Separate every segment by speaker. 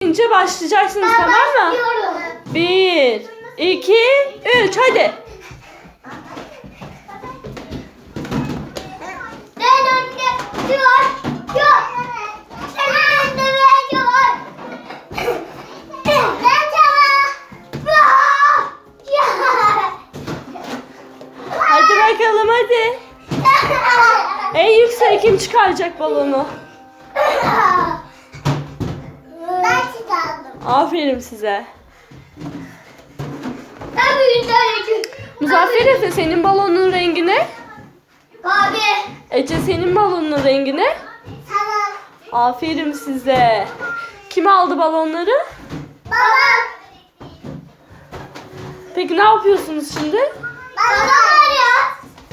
Speaker 1: deyince başlayacaksınız, tamam mı?
Speaker 2: Başlıyorum.
Speaker 1: 1, 2, 3 hadi.
Speaker 2: Ben önde dur. Sen önde ve dur. Ben
Speaker 1: Hadi bakalım hadi. En yüksek kim çıkaracak balonu?
Speaker 2: Ben çıkardım.
Speaker 1: Aferin size.
Speaker 2: Ben büyüdüm.
Speaker 1: Muzaffer Efe, senin balonun rengi ne?
Speaker 2: Abi.
Speaker 1: Ece, senin balonun rengi ne?
Speaker 2: Sana.
Speaker 1: Aferin size. Kim aldı balonları?
Speaker 2: Babam.
Speaker 1: Peki ne yapıyorsunuz şimdi?
Speaker 2: Baba var ya.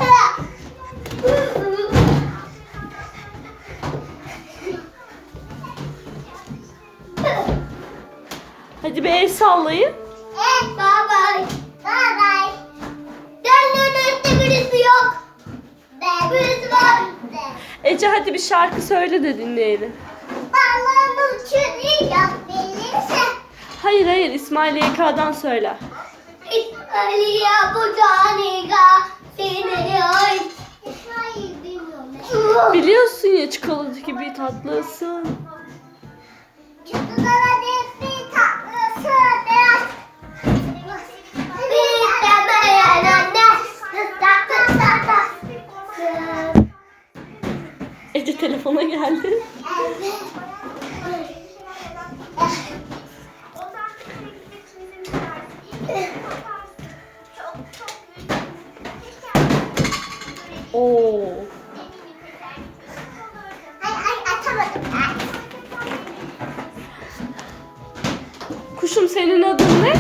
Speaker 1: Hadi bir el sallayın.
Speaker 2: Evet baba. Baba. Dönün önünde birisi yok. Birisi var.
Speaker 1: Ece, hadi bir şarkı söyle de dinleyelim.
Speaker 2: Balonu çürüyor bilirse.
Speaker 1: Hayır, İsmail YK'dan söyle.
Speaker 2: İsmail'e bu caniga seni ay. İsmail bilmiyorum.
Speaker 1: Biliyorsun ya, çikolata gibi tatlısın.
Speaker 2: Çocuklara bir tatlısı biraz. Bir demeyen anne. Tatlı.
Speaker 1: Ece telefona geldi. Oo.
Speaker 2: Ay atamadım.
Speaker 1: Kuşum, senin adın ne?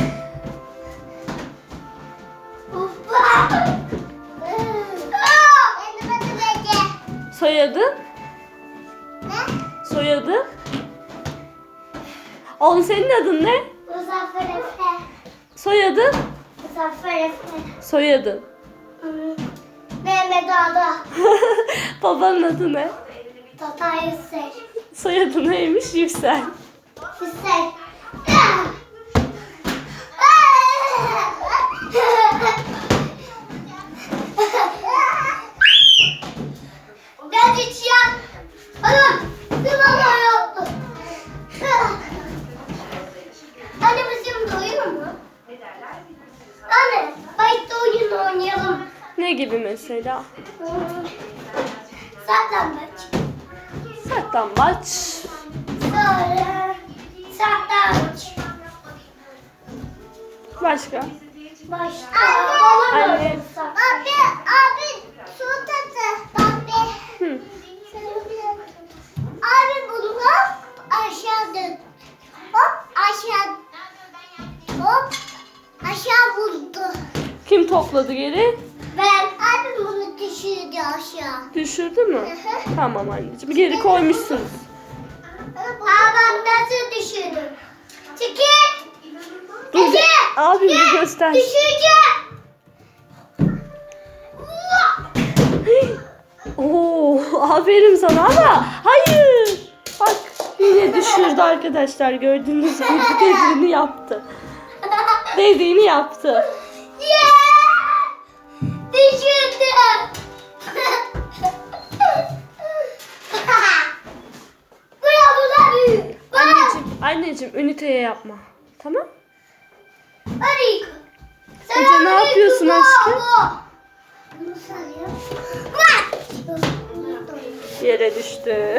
Speaker 2: Benim adım Ece.
Speaker 1: Soyadın?
Speaker 2: Ne?
Speaker 1: Soyadın? Oğlum, senin adın ne?
Speaker 2: Muzaffer Efe.
Speaker 1: Soyadın?
Speaker 2: Muzaffer Efe.
Speaker 1: Soyadın.
Speaker 2: Mehmet Ağda.
Speaker 1: Babanın adı ne?
Speaker 2: Tatay Hüseyin.
Speaker 1: Soyadı neymiş? Yüksel.
Speaker 2: Hüseyin. Ben hiç ya. Sıvama yoktu. Anne biz şimdi uyuyor mu? Anne, bayıkta oyun oynayalım.
Speaker 1: Ne gibi mesela?
Speaker 2: Saklambaç.
Speaker 1: Saklambaç.
Speaker 2: Sonra saklambaç.
Speaker 1: Başka?
Speaker 2: Başka.
Speaker 1: Anne.
Speaker 2: Abi su tatı. Abi.
Speaker 1: Hı.
Speaker 2: Abi bunu aşağı dök. Hop aşağı. Hop aşağı vurdu.
Speaker 1: Kim topladı geri?
Speaker 2: Ben abi bunu düşürdü aşağı.
Speaker 1: Düşürdü mü?
Speaker 2: Hı.
Speaker 1: Tamam anneciğim. Geri koymuşsunuz.
Speaker 2: Babam nasıl düşürdü? Çekil.
Speaker 1: Dur,
Speaker 2: Ece,
Speaker 1: abim bir
Speaker 2: gel,
Speaker 1: göster.
Speaker 2: Düşüreceğim.
Speaker 1: Oo, aferin sana ama hayır. Bak, yine düşürdü arkadaşlar. Gördüğünüz gibi dediğini yaptı. Dediğini yaptı.
Speaker 2: Yeah! Düşürdüm. Bura büyük.
Speaker 1: Anneciğim üniteye yapma. Tamam?
Speaker 2: Hadi.
Speaker 1: Ece, ne yapıyorsun aşkım? Yere düştü.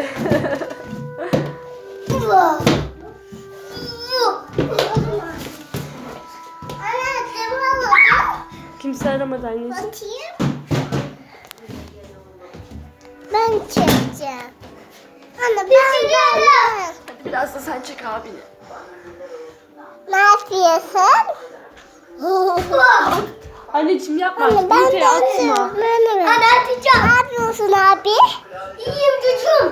Speaker 1: Kimse aramadı anneciğim.
Speaker 2: Ben çekeceğim. Anne ben.
Speaker 1: Biraz da sen çek abini.
Speaker 2: Ne yapıyorsun?
Speaker 1: Anneciğim yapma.
Speaker 2: Anne ben
Speaker 1: Üniteye atma.
Speaker 2: Anne atacağım. Ne yapıyorsun abi? İyiyim çocuğum.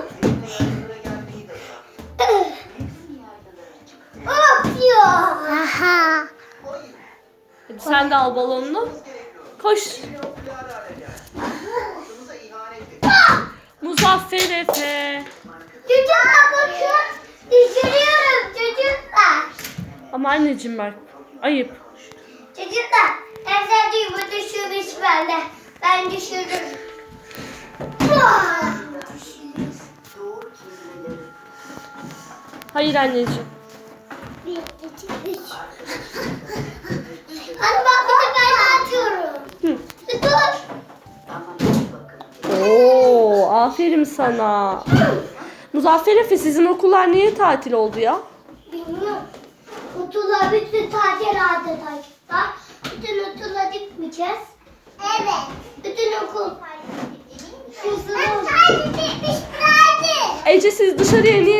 Speaker 2: Atıyor. Aha.
Speaker 1: Hadi sen de al balonunu. Koş. Muzaffer Efe.
Speaker 2: Çocuklar bakın. Düşürüyorum çocuklar.
Speaker 1: Ama anneciğim bak. Ayıp.
Speaker 2: Çocuklar, en sevdiğim bu düşürmüş bende. Ben düşürdüm.
Speaker 1: Hayır anneciğim.
Speaker 2: 1, 2, 3. Hadi bak bir de ben atıyorum.
Speaker 1: Hı.
Speaker 2: Dur.
Speaker 1: Oo, aferin sana. Muzaffer Efe, sizin okullar niye tatil oldu ya?
Speaker 2: Bilmiyorum. Okullar bütün tatil adeta. Bütün okula gitmeyeceğiz. Evet. Bütün okul. Tatil bitmiş.
Speaker 1: Ece, siz dışarıya niye